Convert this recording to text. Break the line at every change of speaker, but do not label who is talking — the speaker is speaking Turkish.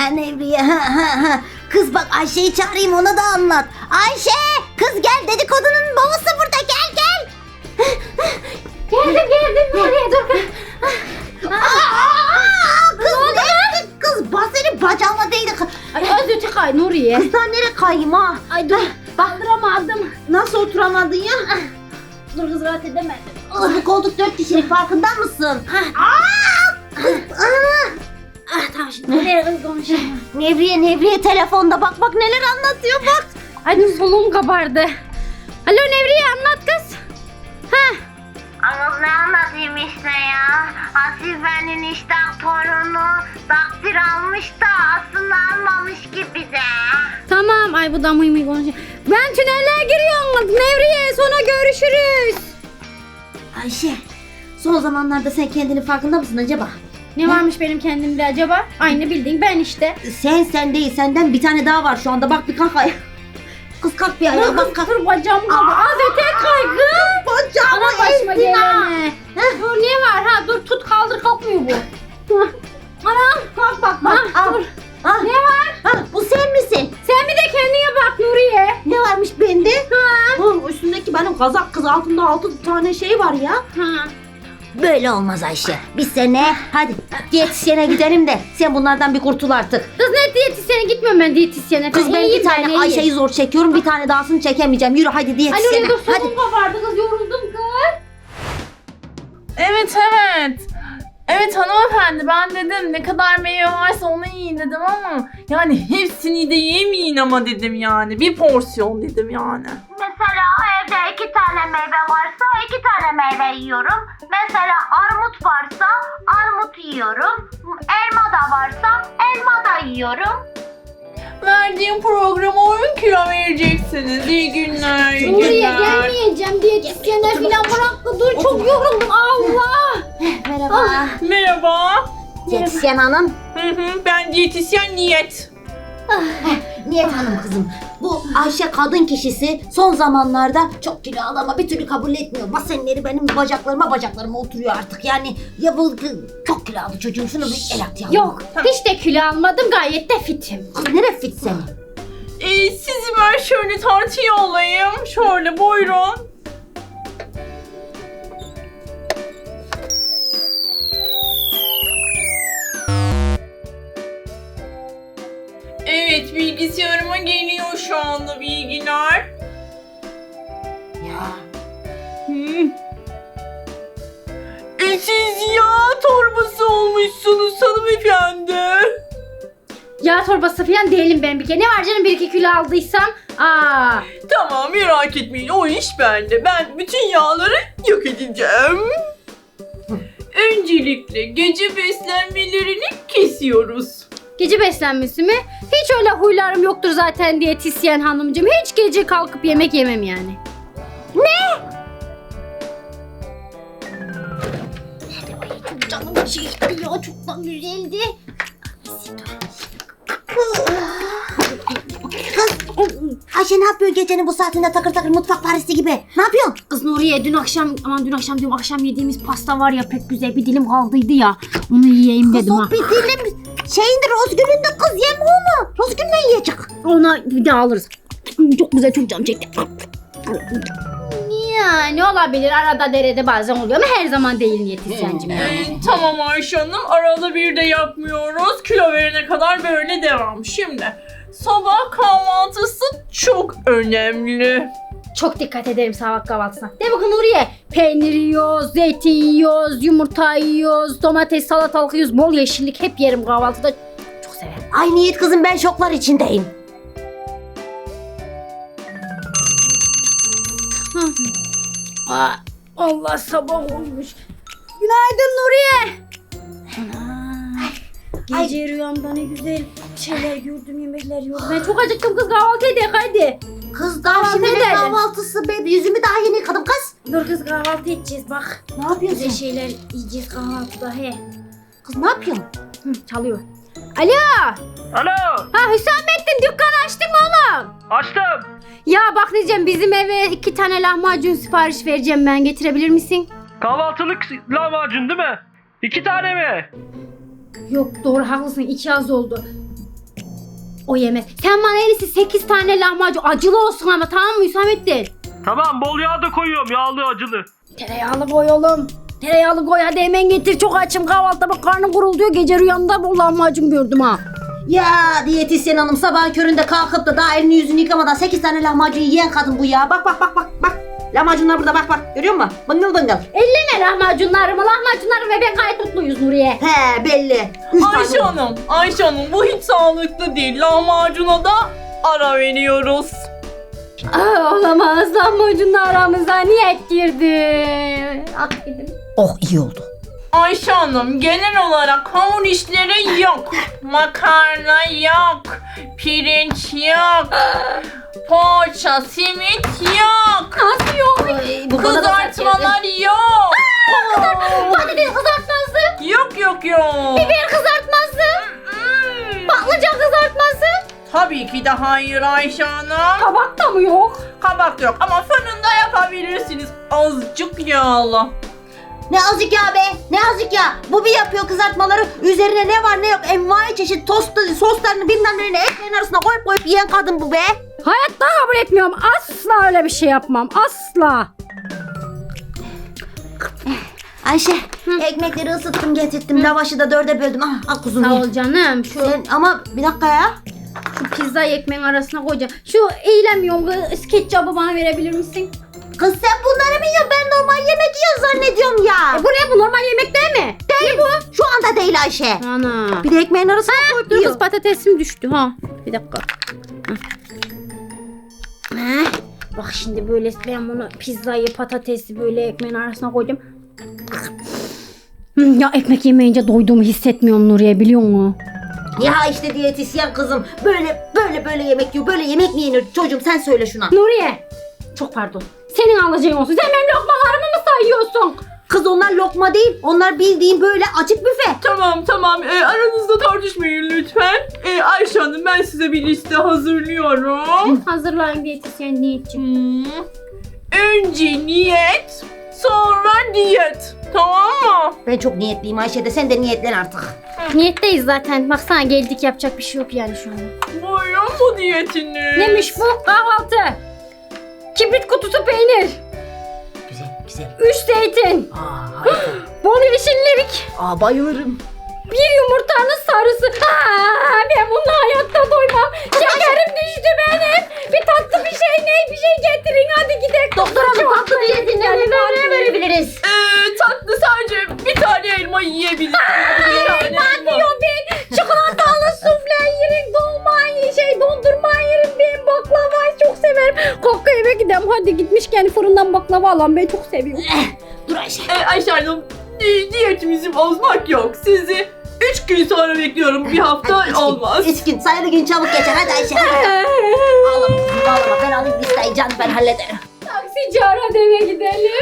Nevriye. Kız bak Ayşe'yi çağırayım, ona da anlat. Ayşe kız gel, dedikodunun babası burada, gel gel.
Geldim Nuriye dur.
Kız ne? Kız baseni bacağıma değdi.
Ay özü kay Nuriye.
Kızlar nereye kayayım ha?
Ay dur kaldıramadım.
Nasıl oturamadın ya?
Dur kız rahat edemedim.
Kız bu koltuk 4 kişilik, farkında mısın?
Tamam şimdi nereye kız konuşalım.
Nevriye telefonda bak neler anlatıyor bak.
Ay dur soluğum kabardı. Alo Nevriye anlat kız.
Ama ne anlatayım işte ya. Asife'nin işte torunu takdir almış da aslında almamış gibi de.
Tamam ay bu da mıy konuşuyor. Ben tünele giriyorum Nevriye, sonra görüşürüz.
Ayşe, son zamanlarda sen kendinin farkında mısın acaba?
Ne varmış benim kendimde acaba? Aynı bildiğin ben işte.
Sen değil, senden bir tane daha var şu anda. Bak bir kalk ayağa. Kız kalk bir ayağa, bak kalk.
Dur bacağım kaldı. Az öte kaygı.
Bacağımı
Ana başıma
ezdin ha.
gelene. Dur ne var ha? Dur tut kaldır kalkmıyor bu. Anam.
Kalk bak
Ha,
al.
dur.
Ha,
Ne var?
ha, bu sen misin?
Sen bir de kendine bak Nuriye.
Ne varmış bende?
Ha.
Oğlum üstündeki benim kazak, kız altında 6 tane şey var ya.
Ha.
Böyle olmaz Ayşe. Biz seninle hadi diyetisyene gidelim de sen bunlardan bir kurtul artık.
Kız ne diyetisyene gitmiyorum ben diyetisyene.
Kız ben bir tane Ayşe'yi zor çekiyorum, bir tane dahasını çekemeyeceğim. Yürü hadi
Ay
diyetisyene.
Nuriye dur
Hadi.
solum kabardı kız, yoruldum kız.
Evet. Evet hanımefendi, ben dedim ne kadar meyve varsa onu yiyin dedim ama yani hepsini de yemeyin ama dedim yani. Bir porsiyon dedim yani.
Mesela evde 2 tane meyve varsa 2 tane meyve yiyorum. Mesela armut varsa armut yiyorum. Elma da varsa elma da yiyorum.
Verdiğim programa oyun kilo vereceksiniz. İyi günler. iyi
Nuriye
günler.
gelmeyeceğim diyetisyene falan bıraktı. Dur çok yoruldum Allah.
Merhaba.
Merhaba.
Diyetisyen hanım.
Ben diyetisyen Niyet.
Niyet hanım kızım. Bu Ayşe kadın kişisi son zamanlarda çok kilo aldı ama bir türlü kabul etmiyor. Basenleri benim bacaklarıma oturuyor artık. Yani ya bu çok kilo aldı çocuğum, şunu bir el at ya.
Yok hiç de kilo almadım, gayet de fitim.
Kız nereye fit seni?
Sizi ben şöyle tartıya alayım. Şöyle buyurun. Evet, bilgisayarıma geliyor şu anda bilgiler.
Ya.
Siz yağ torbası olmuşsunuz hanımefendi.
Yağ torbası falan değilim ben bir kere. Ne var canım 1-2 kilo aldıysam?
Tamam, merak etmeyin, o iş bende. Ben bütün yağları yok edeceğim. Öncelikle gece beslenmelerini kesiyoruz.
Gece beslenmesi mi? Hiç öyle huylarım yoktur zaten diyetisyen hanımcığım. Hiç gece kalkıp yemek yemem yani.
Çok canım çekti ya, çok da güzeldi. Kız Ayşe ne yapıyor gecenin bu saatinde takır takır mutfak Paris'i gibi? Ne yapıyorsun?
Kız Nuriye dün akşam diyorum akşam yediğimiz pasta var ya pek güzel, bir dilim kaldıydı ya. Onu yiyeyim dedim ha.
Kız o bir dilim şeyindir, Rozgül'ün de kız, yeme onu. Rozgül ne yiyecek?
Ona bir de alırız. Çok güzel, çok canım çekti. Yani olabilir, arada derede bazen oluyor ama her zaman değil diyetisyencim yani.
Tamam Ayşe Hanım, arada bir de yapmıyoruz. Kilo verene kadar böyle devam. Şimdi sabah kahvaltısı çok önemli.
Çok dikkat ederim sabah kahvaltısına. De bakın Nuriye. Peynir yiyoruz, zeytin yiyoruz, yumurta yiyoruz, domates, salatalık yiyoruz. Bol yeşillik hep yerim kahvaltıda. Çok severim.
Ay Niyet kızım, ben şoklar içindeyim.
Allah sabah olmuş. Günaydın Nuriye. Gece rüyamda ne güzel şeyler gördüm, yemekler gördüm. Ben çok acıktım kız, kahvaltı edelim hadi.
Kız daha
Kahvaltı
şimdi ne
edelim.
kahvaltısı be? Yüzümü daha yeni yıkadım kız.
Dur kız kahvaltı edeceğiz bak.
Ne yapıyorsun?
Güzel şeyler yiyeceğiz kahvaltıda he.
Kız ne yapıyorsun?
Çalıyor. Alo.
Alo,
Ha Hüsamettin, dükkanı açtın mı oğlum?
açtım.
Ya bak diyeceğim, bizim eve 2 tane lahmacun sipariş vereceğim ben, getirebilir misin?
Kahvaltılık lahmacun değil mi? 2 tane mi?
Yok doğru haklısın, 2 az oldu. O yemez. Sen bana en iyisi 8 tane lahmacun acılı olsun ama, tamam mı Hüsamettin?
Tamam, bol yağ da koyuyorum. Yağlı acılı.
Tereyağlı koy oğlum. Tereyağlı koy, hadi hemen getir, çok açım, kahvaltıda bak karnım gurulduyor, gece rüyamda bol lahmacun gördüm ha.
Ya diyetisyen hanım, sabahın köründe kalkıp da daha elini yüzünü yıkamadan 8 tane lahmacun yiyen kadın bu ya. Bak bak bak bak bak. Lahmacunlar burada, bak bak. Görüyor musun? Bıngıl bıngıl.
Elleme lahmacunlarımı ve ben gayet mutluyuz Nuriye.
He belli. 3
Ayşe Hanım, Ayşe Hanım bu hiç sağlıklı değil. Lahmacuna da ara veriyoruz.
Olamaz, lahmacunla aramıza niyet girdi. Ah dedim.
Oh iyi oldu.
Ayşe Hanım genel olarak hamur işleri yok. Makarna yok. Pirinç yok. Poğaça, simit yok.
Nasıl yok?
Ay, bu bana da sert geldi.
Kızartmalar yok.
Patates kızartması,
Yok yok yok.
biber kızartması, patlıcan kızartması.
Tabii ki de hayır Ayşe Hanım.
Kabak da mı yok?
Kabak yok ama fırında yapabilirsiniz. Azıcık yağlı.
Ne azıcık ya be, ne azıcık ya. Bu bir yapıyor kızartmaları, üzerine ne var ne yok envai çeşit soslarını bilmem ne ekmeğin arasına koyup yiyen kadın bu be.
Hayatta kabul etmiyorum. Asla öyle bir şey yapmam. Asla.
Ayşe, ekmekleri ısıttım getirttim, lavaşı da 4'e böldüm. Al kuzum.
Sağ
ye.
ol canım. Şu
Ama bir dakika ya.
pizza ekmeğin arasına koyacağım. Şu eğlenmiyorum. Ketçabı bana verebilir misin?
Kız sen bunları mı yiyorsun? Ben normal yemek yiyor zannediyorum ya.
Bu ne, bu normal yemek değil mi?
Değil bu. Şu anda değil Ayşe.
Ana.
Bir de ekmeğin arasına koyup
Dur
yiyor.
kız, patatesim düştü ha. Bir dakika. Heh. Bak şimdi böyle ben bunu pizzayı, patatesi böyle ekmeğin arasına koydum. Ya ekmek yemeyince doyduğumu hissetmiyorum Nuriye, biliyor musun?
Ya işte diyetisyen kızım. Böyle yemek yiyor. Böyle yemek mi yenir çocuğum, sen söyle şuna.
Nuriye. Çok pardon. Senin alacağın olsun. Sen benim lokmalarımı mı sayıyorsun?
Kız onlar lokma değil. Onlar bildiğin böyle açık büfe.
Tamam. Aranızda tartışmayın lütfen. Ayşe Hanım ben size bir liste hazırlıyorum.
Hazırlayın diyetisyen niyetçi.
Önce niyet, sonra diyet. Tamam mı?
Ben çok niyetliyim Ayşe de, sen de niyetlen artık.
Niyetteyiz zaten. Baksana geldik, yapacak bir şey yok yani şu an.
Buyurun bu diyetiniz.
Neymiş bu? Kahvaltı. Kibrit kutusu peynir.
Güzel.
3 zeytin.
Harika.
Bol yeşillik.
Bayılırım.
Bir yumurtanın sarısı. Ben bununla hayatta doymam. Şekerim düştü benim. Bir tatlı bir şey getirin, hadi gidelim.
Doktor hanım, tatlı diyetinden ne verebiliriz?
Tatlı sadece bir tane elma yiyebilirim.
Ne diyorum ben? Çikolatalı sufle yerim, dondurma yerim, ben baklavayı çok severim. Kalk eve gidelim, hadi gitmişken fırından baklava alalım, ben çok seviyorum.
Dur Ayşe.
Ayşe Hanım diyetimizi bozmak yok. Sizi 3 gün sonra bekliyorum. Bir hafta olmaz.
3 gün. Sayılı gün çabuk geçer. Hadi Ayşe. Ağlama. Ben alayım listeyi canım, ben hallederim.
Taksici ara, eve gidelim.